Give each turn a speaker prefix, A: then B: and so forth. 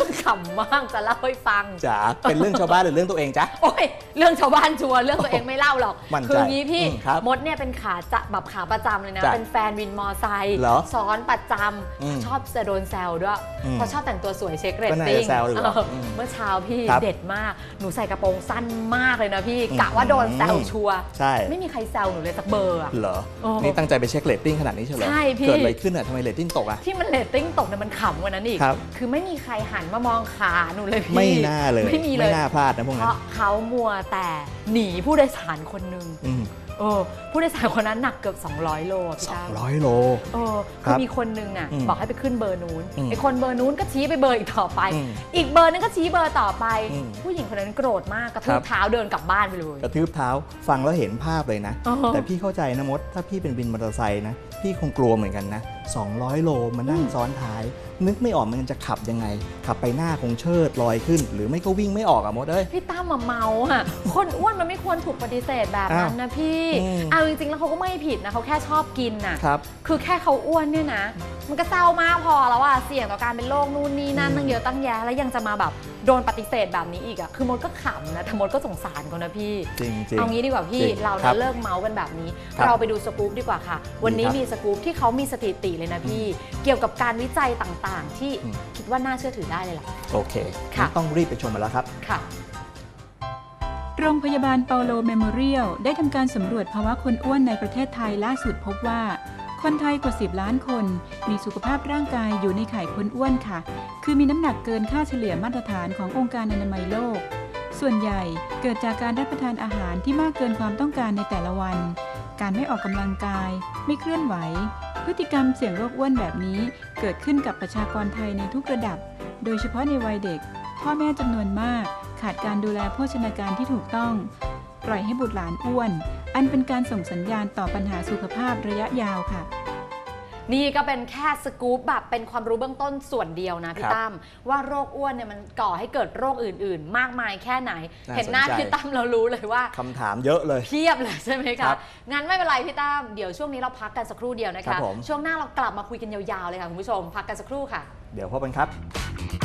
A: รื่องขำมากจะเล่าให้ฟัง
B: จ๋าเป็นเรื่องชาวบ้านหรือเรื่องตัวเองจ๊ะ
A: โอ้ยเรื่องชาวบ้านชัวร์เรื่องตัวเองไม่เล่าหรอกคืองี้พี่มดเนี่ยเป็นขาจะแบบขาประจำเลยนะเป็นแฟนวินมอไซค์ซ้อนประจำชอบจะโดนแซวด้วยเพราะชอบแต่งตัวสวยเช็คเรตติ้งเมื่อเช้าพี่เด็ดมากหนูใส่กระโปรงสั้นมากเลยนะพี่กะว่าโดนแซวชัวร์ไม่มีใครแซวหนูเลยสักเบอร์อะ
B: เหรอนี่ตั้งใจไปเช็คเรตติ้งขนาดนี้เชียวเหรอ
A: ใช่พี่
B: เกิดอะไรขึ้นอะทำไมเรตติ้งตกอะ
A: ที่มันเรตติ้งตกเนี่ยมันขำกว่านั้นอีกคือไม่มีใครหันมามองขาหนูเลยพี่
B: ไม่น่าเลย
A: ไม่มีเลย
B: ไม่น่าพลาดนะพวกนั้น
A: เพราะเขามัวแต่หนีผู้โดยสารคนหนึ่งผู้โดยสารคนนั้นหนักเกือบ200 โลพี่ตั้ม
B: 200 โล
A: คือมีคนนึงน่ะบอกให้ไปขึ้นเบอร์นู้นไอ้คนเบอร์นู้นก็ชี้ไปเบอร์อีกต่อไปอีกเบอร์นึงก็ชี้เบอร์ต่อไปผู้หญิงคนนั้นโกรธมากกระทืบเท้าเดินกลับบ้านไปเลย
B: กระทืบเท้าฟังแล้วเห็นภาพเลยนะแต่พี่เข้าใจนะมดถ้าพี่เป็นวินมอเตอร์ไซค์นะพี่คงกลัวเหมือนกันนะ200 โลมานั่งซ้อนท้ายนึกไม่ออกมันจะขับยังไงขับไปหน้าคงเชิดลอยขึ้นหรือไม่ก็วิ่งไม่ออกอะมดเอ้ย
A: พี่ตั้มเมาอะคนอ้วนมันไม่ควรถูกปฏิเสธแบบนั้นนะพี่เอาจริงๆแล้วเขาก็ไม่ผิดนะเขาแค่ชอบกินน่ะคือแค่เขาอ้วนเนี่ยนะมันก็เศร้ามากพอแล้วอะเสี่ยงต่อการเป็นโรคนู่นนี่นั่นตั้งเยอะตั้งแยะแล้วยังจะมาแบบโดนปฏิเสธแบบนี้อีกอะคือมดก็ขำนะแต่มดก็สงสารเขานะพี่
B: จริงๆ
A: เอางี้ดีกว่าพี่เราเนี่ยเลิกเมากันแบบนี้เราไปดูสกู๊ปดีกว่าค่ะวันนี้มีสกู๊ปที่เขามีสถิติเลยนะพี่เกี่ยวกับการวิจัยต่างๆที่คิดว่าน่าเชื่อถือได้เลยล่ะ
B: โอเคต้องรีบไปชมมาแล้วครับ
A: ค่ะ
C: โรงพยาบาลเปาโลเมโมเรียลได้ทำการสำรวจภาวะคนอ้วนในประเทศไทยล่าสุดพบว่าคนไทยกว่า10 ล้านคนมีสุขภาพร่างกายอยู่ในข่ายคนอ้วนค่ะคือมีน้ำหนักเกินค่าเฉลี่ยมาตรฐานขององค์การอนามัยโลกส่วนใหญ่เกิดจากการรับประทานอาหารที่มากเกินความต้องการในแต่ละวันการไม่ออกกำลังกายไม่เคลื่อนไหวพฤติกรรมเสี่ยงโรคอ้วนแบบนี้เกิดขึ้นกับประชากรไทยในทุกระดับโดยเฉพาะในวัยเด็กพ่อแม่จำนวนมากขาดการดูแลโภชนาการที่ถูกต้องปล่อยให้บุตรหลานอ้วนอันเป็นการส่งสัญญาณต่อปัญหาสุขภาพระยะยาวค่ะ
A: นี่ก็เป็นแค่สกู๊ปแบบเป็นความรู้เบื้องต้นส่วนเดียวนะพี่ตั้มว่าโรคอ้วนเนี่ยมันก่อให้เกิดโรคอื่นๆมากมายแค่ไหนเห็นหน้าพี่ตั้มเรารู้เลยว่า
B: คำถามเยอะเลย
A: เพียบเลยใช่ไหมคะงั้นไม่เป็นไรพี่ตั้มเดี๋ยวช่วงนี้เราพักกันสักครู่เดียวนะคะช่วงหน้าเรากลับมาคุยกันยาวๆเลยค่ะคุณผู้ชมพักกันสักครู่ค่ะ
B: เดี๋ยวพบกันครับ